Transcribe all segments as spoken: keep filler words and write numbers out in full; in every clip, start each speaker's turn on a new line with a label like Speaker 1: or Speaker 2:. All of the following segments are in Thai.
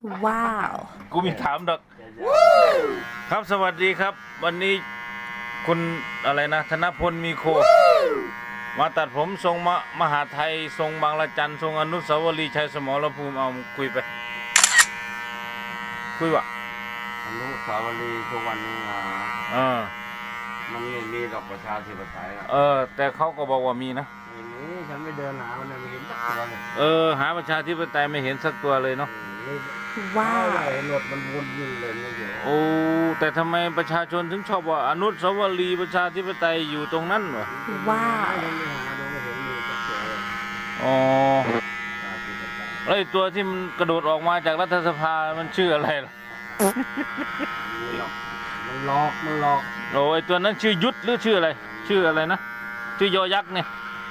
Speaker 1: ว้าว
Speaker 2: กูมีถามดอกครับสวัสดีครับ วันนี้คุณอะไรนะธนพลมีโคมาตัดผมทรงมมหาไทยทรงบางละจันทรงอนุสาวรีย์ชัยสมรภูมิเอาคุยไปคุยวะ
Speaker 3: อนุสาวรีย์ทุกวันนี้นะ
Speaker 2: เออ
Speaker 3: มันไม่มีดอกประชาธิปไตยนะ
Speaker 2: เออแต่เขาก็บอกว่ามีนะ
Speaker 3: ไม่มีฉันไม่เดินหามันเลยไม่เห็นสักตัวเลย
Speaker 2: เออหาประชาธิปไตยไม่เห็นสักตัวเลยเนาะ
Speaker 3: นี่
Speaker 1: ว้าว
Speaker 3: เห็นรถมันวนอยู่เลยไม่เห็น
Speaker 2: โอ้แต่ทำไมประชาชนถึงชอบว่าอนุสาวรีย์ประชาธิปไตยอยู่ตรงนั้นวะ
Speaker 1: ว้าว
Speaker 3: ไม่ได้หาดูไม่เห็นมีสักตัวเลย
Speaker 2: อ๋อ
Speaker 3: ประชาธิปไตย
Speaker 2: แล้วไอ้ตัวที่มันกระโดดออกมาจากรัฐสภามันชื่ออะไรล่ะ
Speaker 3: มีหรอกมันหลอกมันหลอก
Speaker 2: โอ้ไอ้ตัวนั้นชื่อยุทธหรือชื่ออะไร ชื่ออะไรนะชื่อยอยักษ์เนี่ย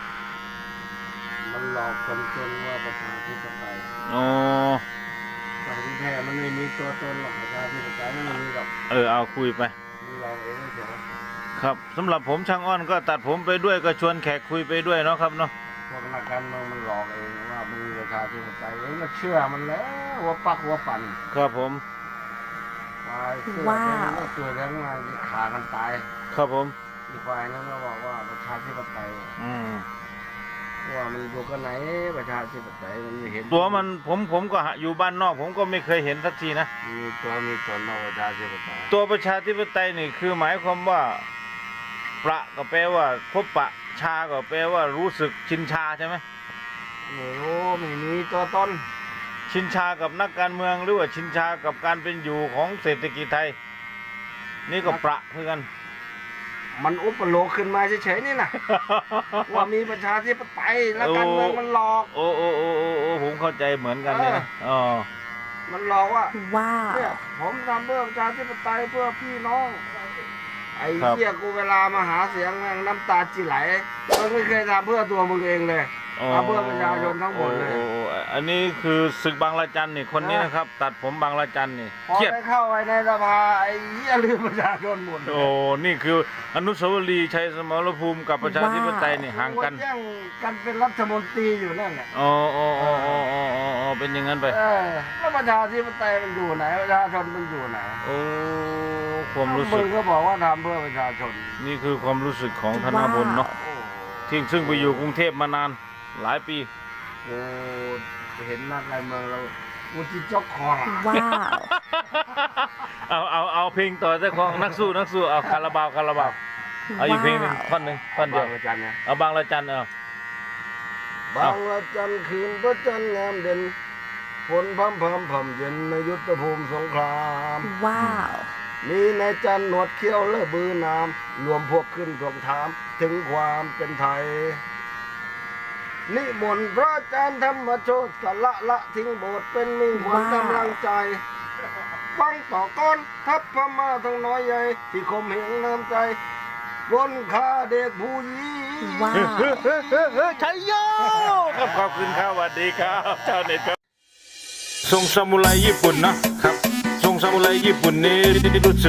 Speaker 3: มันหลอกคนจนว่าประชาธิปไตย
Speaker 2: อ๋อ
Speaker 3: แต่ที่แท้มันไม่มีตัวตนหรอกประชาธิปไตยมันไม่มีหรอก
Speaker 2: เออเอาคุยไป
Speaker 3: มันหลอกเองเฉย
Speaker 2: ครับสำหรับผมช่างอ้อนก็ตัดผมไปด้วยก็ชวนแขกคุยไปด้วยเนาะครับเนาะ
Speaker 3: พวกนักการเมืองมันหลอกเองว่ามันมีประชาธิปไตยเองก็เชื่อมันแล้วหัวปักหัวปั่น
Speaker 2: ครับผม
Speaker 3: ตายเสื้อ
Speaker 1: ว้าว
Speaker 3: แดงก็ตัวแดงมาที่ขากันตาย
Speaker 2: ครับผม
Speaker 3: อีกฝ่ายนั้นก็บอกว่าประชาธิปไตย
Speaker 2: อืม
Speaker 3: ว่ามันอยู่กันไหนประชาธิปไตยมันไม่เห็น
Speaker 2: ตัวมันผมผมก็หาอยู่บ้านนอกผมก็ไม่เคยเห็นสักทีนะ
Speaker 3: มีตัวมีตนของประชาธิปไตย
Speaker 2: ตัวประชาธิปไตยนี่คือหมายความว่าประก็แปลว่าพบปะชาก็แปลว่ารู้สึกชินชาใช่ไหม
Speaker 3: ไม่รู้ไม่มีตัวตน
Speaker 2: ชินชากับนักการเมืองหรือว่าชินชากับการเป็นอยู่ของเศรษฐกิจไทย นี่ก็ประเพื่อกัน
Speaker 3: มันอุปโลกขึ้นมาเฉยๆนี่นะ ว่ามีประชาธิปไตยแล้วการเมืองมันหลอก
Speaker 2: โอ้โอ้โอ้โอ้โอ้ผมเข้าใจเหมือนกันเลยนะอ๋อ
Speaker 3: มันหลอกว่า
Speaker 1: ว้าว
Speaker 3: เนี่ยผมทำเพื่อประชาธิปไตยเพื่อพี่น้องไอ้เหี้ยกูเวลามาหาเสียงแม่งน้ำตาจีไหลมึงไม่เคยทำเพื่อตัวมึงเองเลยทำเพื่อประชาชนทั้งหมดเลย
Speaker 2: โอ้โอ้อันนี้คือศึกบางระจันนี่คนนี้นะครับ ตัดผมบางระจันนี่
Speaker 3: พอ
Speaker 2: เครียด
Speaker 3: ไปเข้าไปในสภาไอ้เหี้ยลืมประชาชนหมดเลย
Speaker 2: โอ้นี่คืออนุสาวรีย์ชัยสมรภูมิกับประชาธิปไตยนี่ห่างกัน
Speaker 3: แย่งกันเป็นรัฐมนตรีอยู่นั่นแหละ
Speaker 2: อ๋ออ๋ออ๋ออ๋ออ๋ออ๋อเป็นอย่างนั้นไป
Speaker 3: เออแล้วประชาธิปไตยมันอยู่ไหนประชาชนมันอยู่ไหน
Speaker 2: โอ้ความรู้สึ
Speaker 3: มึ
Speaker 2: ก
Speaker 3: งก็บอกว่าทำเพื่อประชาชน
Speaker 2: นี่คือความรู้สึกของธนพลเนาะ
Speaker 3: โอ้
Speaker 2: ที่ซึ่งไปอยู่กรุงเทพมานานหลายปี
Speaker 3: โหเห็นนักการเมืองเรากูจิจกคอละ
Speaker 1: ว้าว
Speaker 2: เอาเอาเอาเพลงต่อเจ้าของนักสู้นักสู้เอาคาราบาวคาราบาวเอาอีกเพลงหนึ่งท่อนหนึ่งท่อนเดียว
Speaker 3: บางระจันเนี่ย
Speaker 2: เอาบางระจันเอา
Speaker 3: บางละจันคืนพระจันทร์งามเด่นฝนพรำพรำพรำเย็นในยุทธภูมิสงคราม
Speaker 1: ว้าว
Speaker 3: มีนายจันหนวดเขี้ยวและบือนามรวมพวกขึ้นทวงถามถึงความเป็นไทย นิมนต์พระอาจารย์ธรรมโชตสละละทิ้งโบสถ์เป็นมิ่งขวัญกำลังใจฟังต่อก้อนทัพพม่าทั้งน้อยใหญ่ที่คมเหงน้ำใจปล้นฆ่าเด็กผู้หญิง
Speaker 1: ว้าว
Speaker 2: ชัยโยครับขอบคุณครับสวัสดีครับชาวเน็ตครับทรงซามูไรญี่ปุ่นนะครับทรงซามูไรญี่ปุ่นนี่รู้สึก